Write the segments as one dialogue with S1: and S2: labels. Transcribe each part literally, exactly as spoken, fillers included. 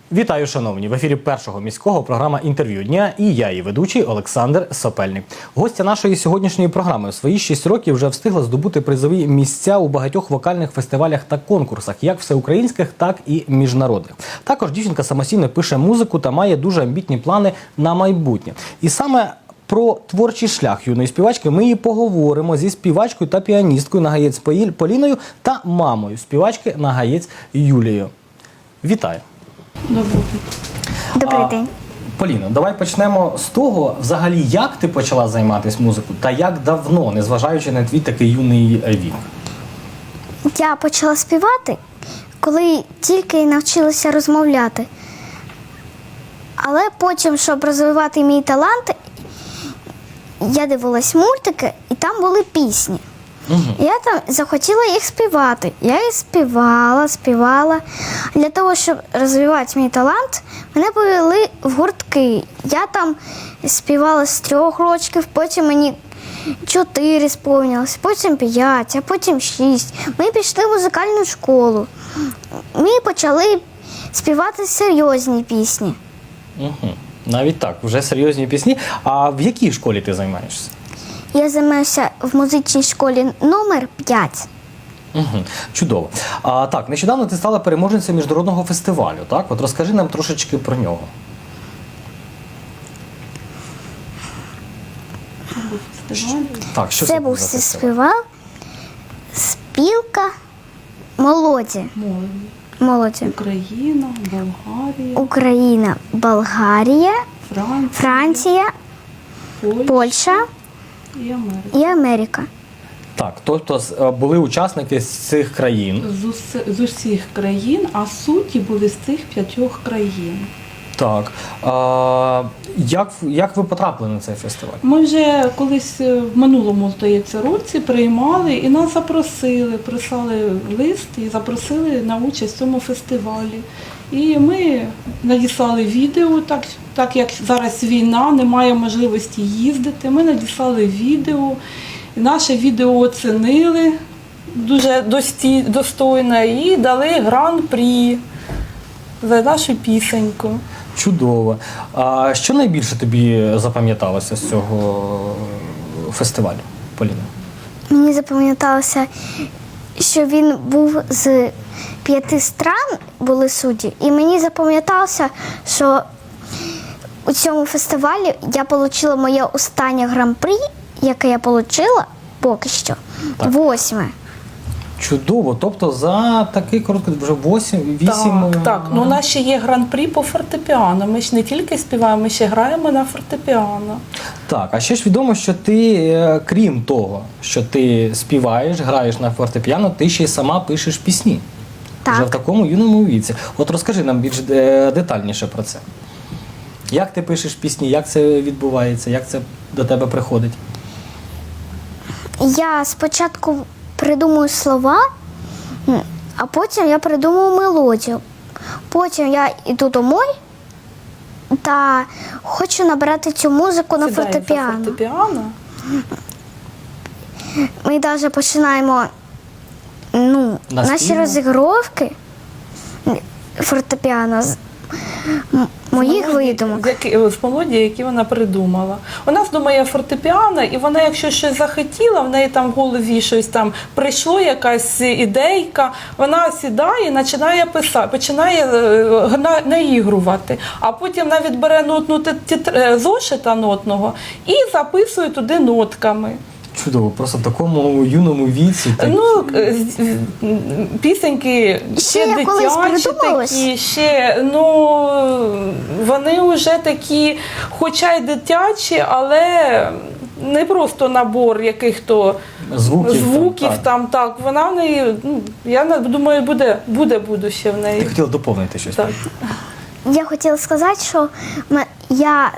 S1: Вітаю, шановні! В ефірі Першого міського програма «Інтерв'ю дня» і я, її ведучий Олександр Сопельник. Гостя нашої сьогоднішньої програми у свої шість років вже встигла здобути призові місця у багатьох вокальних фестивалях та конкурсах, як всеукраїнських, так і міжнародних. Також дівчинка самостійно пише музику та має дуже амбітні плани на майбутнє. І саме про творчий шлях юної співачки ми і поговоримо зі співачкою та піаністкою Нагаєць Поліною та мамою співачки Нагаєць Юлією. Вітаю!
S2: Добрий день.
S3: Добрий
S1: А,
S3: день.
S1: Поліно, давай почнемо з того, взагалі, як ти почала займатися музикою та як давно, незважаючи на твій такий юний вік.
S3: Я почала співати, коли тільки навчилася розмовляти. Але потім, щоб розвивати мій талант, я дивилась мультики, і там були пісні.
S1: Угу.
S3: Я там захотіла їх співати. Я їх співала, співала. Для того, щоб розвивати мій талант, мене повели в гуртки. Я там співала з трьох років, потім мені чотири сповнилось, потім п'ять, а потім шість. Ми пішли в музикальну школу. Ми почали співати серйозні пісні.
S1: Угу. Навіть так, вже серйозні пісні. А в якій школі ти займаєшся?
S3: Я займаюся в музичній школі номер п'ять.
S1: Угу. Чудово. А, так, нещодавно ти стала переможницею міжнародного фестивалю, так? От розкажи нам трошечки про нього. Так, що
S3: Це
S1: це
S3: був
S1: за фестиваль?
S3: фестиваль «Спілка молоді».
S2: Молоді.
S3: Молоді.
S2: Україна, Болгарія,
S3: Україна, Болгарія,
S2: Франція,
S3: Франція,
S2: Польща,
S3: Польща
S2: і Америка.
S3: і Америка.
S1: Так, тобто з- е, були учасники з цих країн.
S2: З, ус- з усіх країн, а судді були з цих п'ятьох країн.
S1: Так. А, як, як ви потрапили на цей фестиваль?
S2: Ми вже колись е, в минулому, здається, році приймали і нас запросили, прислали лист і запросили на участь в цьому фестивалі. І ми надіслали відео, так, так як зараз війна, немає можливості їздити. Ми надіслали відео, і наше відео оцінили дуже дості- достойно і дали гран-прі за нашу пісеньку.
S1: Чудово. А що найбільше тобі запам'яталося з цього фестивалю, Поліна?
S3: Мені запам'яталося, що він був з п'яти стран, були судді, і мені запам'яталося, що у цьому фестивалі я отримала моє останнє гран-прі, яке я отримала поки що,
S1: Так.
S3: восьме.
S1: Чудово. Тобто за такий короткий, вже вісім...
S2: Так, так. Ну, у нас ще є гран-прі по фортепіано. Ми ж не тільки співаємо, ми ще граємо на фортепіано.
S1: Так, а ще ж відомо, що ти, е, крім того, що ти співаєш, граєш на фортепіано, ти ще й сама пишеш пісні.
S3: Так.
S1: Вже в такому юному віці. От розкажи нам більш е, детальніше про це. Як ти пишеш пісні, як це відбувається, як це до тебе приходить?
S3: Я спочатку придумую слова, м, а потім я придумую мелодію. Потім я йду домой та хочу набрати цю музику на
S2: Сідаємо за
S3: фортепіано.
S2: фортепіано.
S3: Ми навіть починаємо ну, наші
S1: Наспівно?
S3: розігровки фортепіано з м- моїх видумок.
S2: З які- З мелодії, які вона придумала. У нас думає фортепіано, і вона, якщо щось захотіла, в неї там в голові щось там прийшло, якась ідейка, вона сідає і починає писати, починає е, гна- наігрувати. А потім навіть бере нотну тет- тет- е, зошита нотного і записує туди нотками.
S1: Чудово, просто в такому юному віці. Ти...
S2: Ну, е, з- з- пісеньки
S3: Ще
S2: ще
S3: я колись
S2: дитячі
S3: придумалась.
S2: такі, ще, ну, вони вже такі, хоча й дитячі, але не просто набор яких-то
S1: Звуків,
S2: звуків
S1: там,
S2: там, так. Вона в неї, ну, я на- думаю, буде, буде будуще в
S1: Ти
S2: неї.
S1: хотіла доповнити щось.
S2: Так.
S3: Я хотіла сказати, що м- я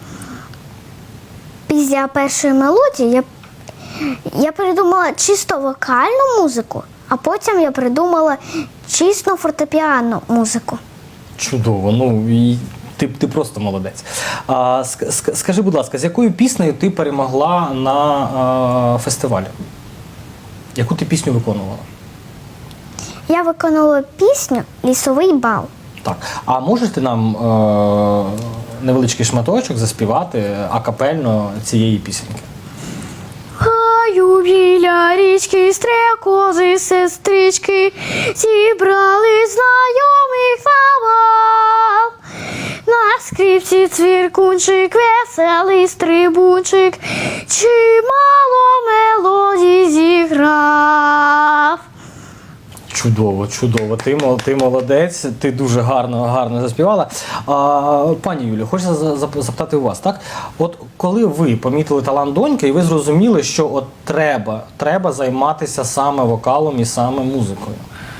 S3: після першої мелодії я, я придумала чисто вокальну музику, а потім я придумала чисто фортепіанну музику.
S1: Чудово, ну і ти, ти просто молодець. А, ск- ск- скажи, будь ласка, з якою піснею ти перемогла на а, фестивалі? Яку ти пісню виконувала?
S3: Я виконала пісню «Лісовий бал».
S1: Так. А можеш ти нам е- невеличкий шматочок заспівати акапельно цієї пісеньки?
S3: Гаю біля річки стрекози, сестрички, зібрали знайомих на бал. На скрипці цвіркунчик, веселий стрибунчик, чимало мелодій зіграв.
S1: Чудово, чудово. Ти, мол- ти молодець, ти дуже гарно, гарно заспівала. А, пані Юлі, хочеться за- за- запитати у вас, так? От коли ви помітили талант доньки, і ви зрозуміли, що от треба, треба займатися саме вокалом і саме музикою.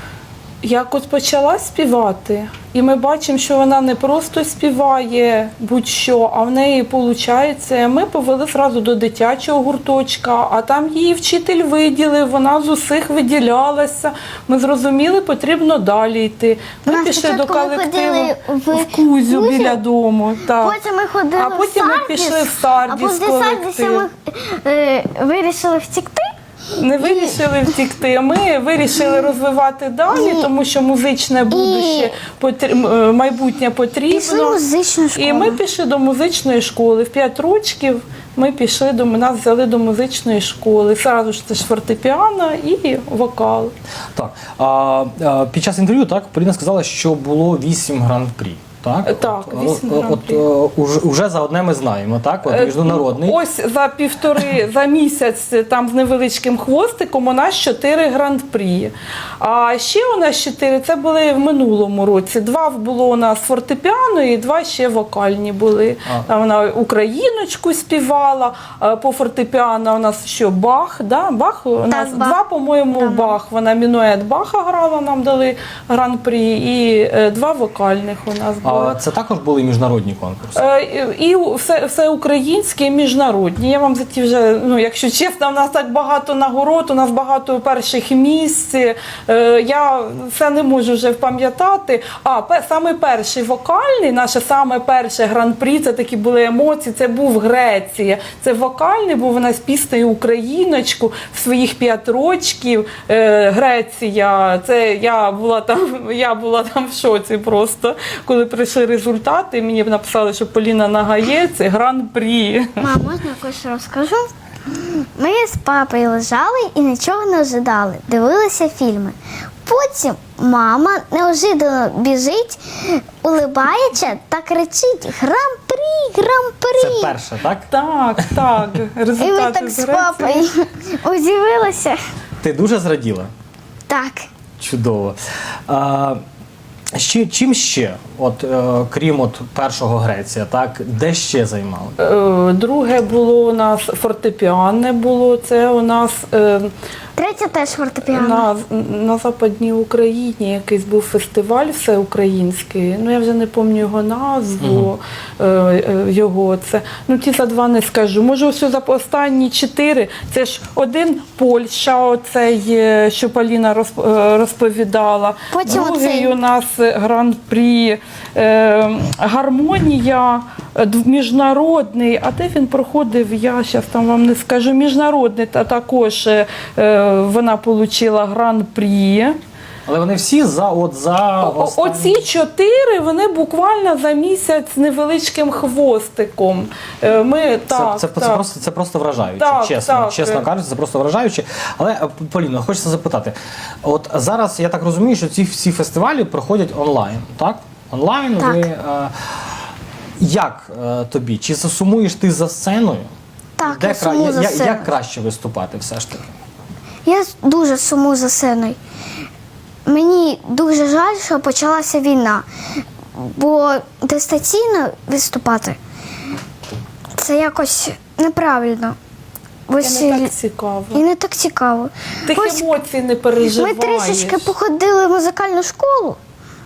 S2: Як от почала співати, і ми бачимо, що вона не просто співає будь-що, а в неї виходить, ми повели одразу до дитячого гурточка, а там її вчитель виділив, вона з усіх виділялася. Ми зрозуміли, потрібно далі йти. Ми
S3: Нас
S2: пішли до
S3: спочатку ми
S2: колективу
S3: ходили в
S2: в Кузю
S3: Кузю,
S2: біля дому. Так.
S3: Потім ми ходили
S2: А потім
S3: в
S2: ми
S3: Сардіс,
S2: пішли в Сардіс
S3: а потім в Сардісі
S2: колектив.
S3: ми е, вирішили втікти.
S2: Не вирішили втікти. Ми вирішили розвивати далі, тому що музичне будуще, потр- м, майбутнє потрібно.
S3: Пішли в музичну школу.
S2: І ми пішли до музичної школи. В п'ять років ми пішли до нас взяли до музичної школи. Зразу ж це ж фортепіано і вокал.
S1: Так. А, а, під час інтерв'ю так, Поліна сказала, що було вісім гран-прі. Так,
S2: Так,
S1: от,
S2: вісім
S1: от,
S2: гран-прі.
S1: от, е, уже, уже за одне ми знаємо, так? От,
S2: Е,
S1: міжнародний.
S2: Ось за півтори, за місяць там з невеличким хвостиком у нас чотири гран-прі. А ще у нас чотири, це були в минулому році. Два було у нас фортепіано і два ще вокальні були.
S1: А.
S2: Там вона україночку співала, а по фортепіано у нас що, Бах, да? Бах у нас
S3: Бах.
S2: два, по-моєму,
S3: Да.
S2: Бах. Вона мінует Баха грала, нам дали гран-прі, і е, два вокальних у нас було.
S1: А це також були міжнародні конкурси.
S2: Е, І все, все українське, і міжнародні. Я вам за ті вже, ну якщо чесно, в нас так багато нагород, у нас багато перших місць. Е, Я все не можу вже пам'ятати. А пе- саме перший вокальний, наше саме перше гран-прі, це такі були емоції. Це був Греція. Це вокальний, був у нас піснею Україночку в своїх п'ять рочків. Е, Греція. Це я була там, я була там в шоці просто, коли прийшли результати. Мені написали, що Поліна Нагаєць – це гран-прі.
S3: Мам, можна якось розкажу? Ми з папою лежали і нічого не ожидали, дивилися фільми. Потім мама неожиданно біжить, улибається та кричить «Гран-прі! Гран-прі!».
S1: Це перше, так?
S2: Так, так.
S3: І ми
S2: Результати
S3: так
S2: з
S3: з
S2: Греції.
S3: папою удивилися.
S1: Ти дуже зраділа?
S3: Так.
S1: Чудово. А, ще, чим ще, от, е, крім от першого Греція, так, де ще займали?
S2: Е, Друге було у нас фортепіане було. Це у нас е,
S3: Третє теж фортепіано.
S2: на, на Западній Україні якийсь був фестиваль всеукраїнський. Ну я вже не пам'ятаю його назву. Е, е, його це. Ну ті за два не скажу. Може, ось за останні чотири. Це ж один Польща, оцей, е, що Поліна розп- е, розповідала.
S3: Потім
S2: Другий
S3: оцей.
S2: у нас гран-прі, е, гармонія, е, д- міжнародний. А де він проходив, я зараз там вам не скажу. Міжнародний та також е, е, вона отримала гран-прі.
S1: Але вони всі за, от, за
S2: О-
S1: останні-
S2: Оці чотири, вони буквально за місяць з невеличким хвостиком. Е, Ми,
S1: Це,
S2: так,
S1: це, це,
S2: так.
S1: просто, це просто вражаюче,
S2: Так,
S1: чесно,
S2: так.
S1: чесно кажучи, це просто вражаюче. Але, е, Поліно, хочеться запитати, от зараз я так розумію, що ці всі фестивалі проходять онлайн, так? Онлайн
S3: Так.
S1: ви. Е, як е, тобі? Чи засумуєш ти за сценою?
S3: Так,
S1: Де
S3: я
S1: кра-
S3: сумую
S1: я-
S3: за
S1: я-
S3: сценою.
S1: Як краще виступати все ж таки?
S3: Я дуже сумую за сценою. Мені дуже жаль, що почалася війна, бо дистанційно виступати це якось неправильно. Ось
S2: Це не так цікаво.
S3: і не так цікаво.
S2: Тих
S3: Ось
S2: емоцій не
S3: ми
S2: переживаєш.
S3: трішечки походили в музикальну школу,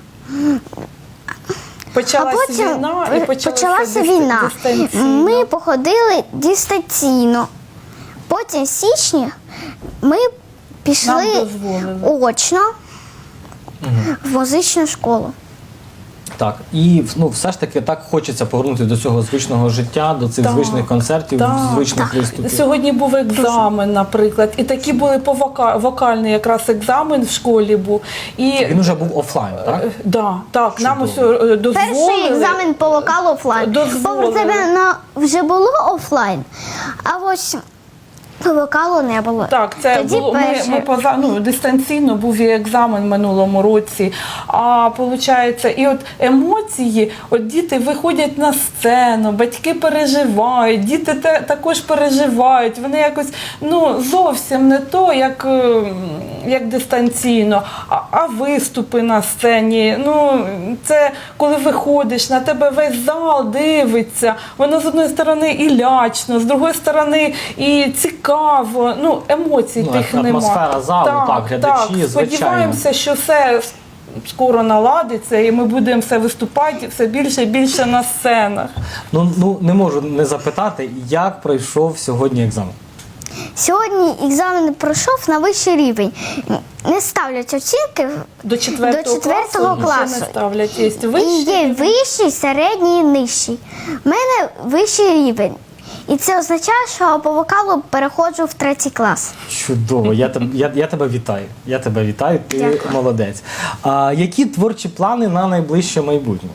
S2: Почалася
S3: а потім
S2: війна і почалася,
S3: почалася
S2: дис-
S3: війна.
S2: дистанційно.
S3: Ми походили дистанційно. Потім в січні ми
S2: Нам
S3: пішли
S2: дозволили.
S3: очно в музичну школу.
S1: Так, і ну, все ж таки так хочеться повернутися до цього звичного життя, до цих
S2: Так,
S1: звичних концертів,
S2: так,
S1: звичних виступів.
S2: Сьогодні був екзамен, наприклад, і такі були по вока... вокальний якраз екзамен в школі був. І
S1: Він вже був офлайн, так?
S2: Е, да, так, нам ось
S1: Чудово.
S2: е, дозволили.
S3: Перший екзамен по вокалу офлайн.
S2: Дозволили.
S3: Попри тебе на вже було офлайн, а ось по вокалу не було.
S2: Так, це
S3: Тоді
S2: було ми,
S3: перше.
S2: ми поза ну дистанційно був і екзамен в минулому році. А виходить, і от емоції, от діти виходять на сцену, батьки переживають, діти те, також переживають. Вони якось ну зовсім не то, як, е, як дистанційно, а, а виступи на сцені. Ну це коли виходиш, на тебе весь зал дивиться. Воно з одної сторони і лячно, з другої сторони і цікаво. Ну, емоцій
S1: Ну,
S2: тих
S1: атмосфера
S2: нема.
S1: залу, так, глядачі, звичайно.
S2: Сподіваємося, що все скоро наладиться і ми будемо все виступати все більше і більше на сценах.
S1: Ну, ну не можу не запитати, як пройшов сьогодні екзамен.
S3: Сьогодні екзамен пройшов на вищий рівень. Не ставлять оцінки,
S2: До четвертого,
S3: До четвертого
S2: класу,
S3: класу.
S2: ще не ставлять. Є
S3: і
S2: вищий.
S3: є вищий, середній і нижчий. У мене вищий рівень. І це означає, що по вокалу переходжу в третій клас.
S1: Чудово, я тебе, я, я тебе вітаю. Я тебе вітаю, ти
S3: Дякую.
S1: молодець. А які творчі плани на найближче майбутнє?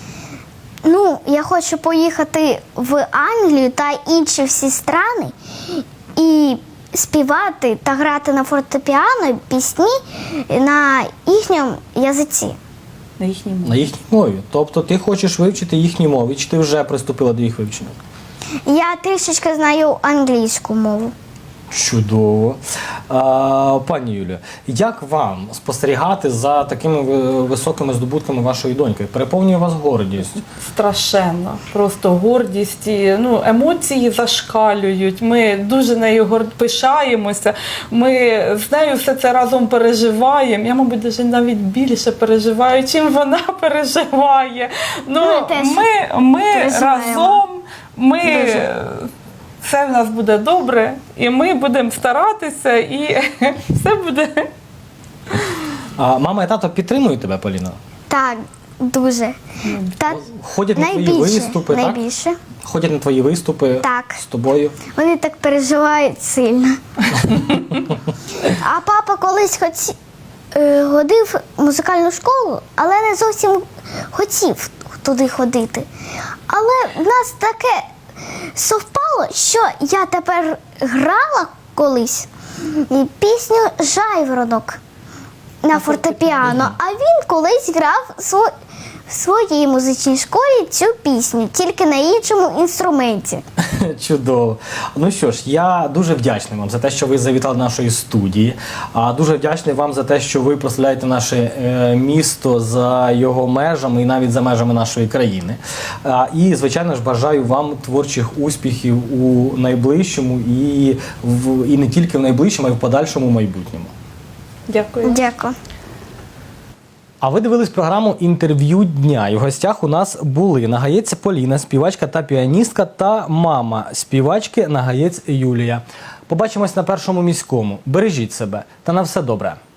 S3: Ну, я хочу поїхати в Англію та інші всі страни і співати та грати на фортепіано пісні на їхньому язиці.
S2: На їхній мові.
S1: На їхній мові. Тобто ти хочеш вивчити їхні мови, чи ти вже приступила до їх вивчення?
S3: Я трішечки знаю англійську мову.
S1: Чудово. А, пані Юлія, як вам спостерігати за такими ви- високими здобутками вашої доньки? Переповнює вас гордість?
S2: Страшенно, просто гордість, і, ну, емоції зашкалюють. Ми дуже нею гор- пишаємося. Ми з нею все це разом переживаємо. Я, мабуть, даже навіть більше переживаю, чим вона переживає. Ну,
S3: Ми теж
S2: ми, ми
S3: переживаємо.
S2: разом, ми.
S3: Дуже.
S2: Все в нас буде добре, і ми будемо старатися, і все буде.
S1: А мама і тато підтримують тебе, Поліна?
S3: Так, дуже. Та
S1: Ходять на твої
S3: найбільше,
S1: виступи, так?
S3: найбільше.
S1: Ходять на твої виступи
S3: Так.
S1: з тобою?
S3: Вони так переживають сильно. А папа колись хоті... е, ходив в музикальну школу, але не зовсім хотів туди ходити. Але в нас таке совпало, що я тепер грала колись і пісню «Жайворонок» на фортепіано, а він колись грав сво- в своїй музичній школі цю пісню, тільки на іншому інструменті.
S1: Чудово. Ну що ж, я дуже вдячний вам за те, що ви завітали до нашої студії. А дуже вдячний вам за те, що ви прославляєте наше е, місто за його межами і навіть за межами нашої країни. А, і, звичайно ж, бажаю вам творчих успіхів у найближчому і, в, і не тільки в найближчому, а й в подальшому майбутньому.
S2: Дякую.
S3: Дякую.
S1: А ви дивились програму «Інтерв'ю дня». І в гостях у нас були Нагаєць Поліна, співачка та піаністка, та мама співачки Нагаєць Юлія. Побачимось на Першому міському. Бережіть себе та на все добре.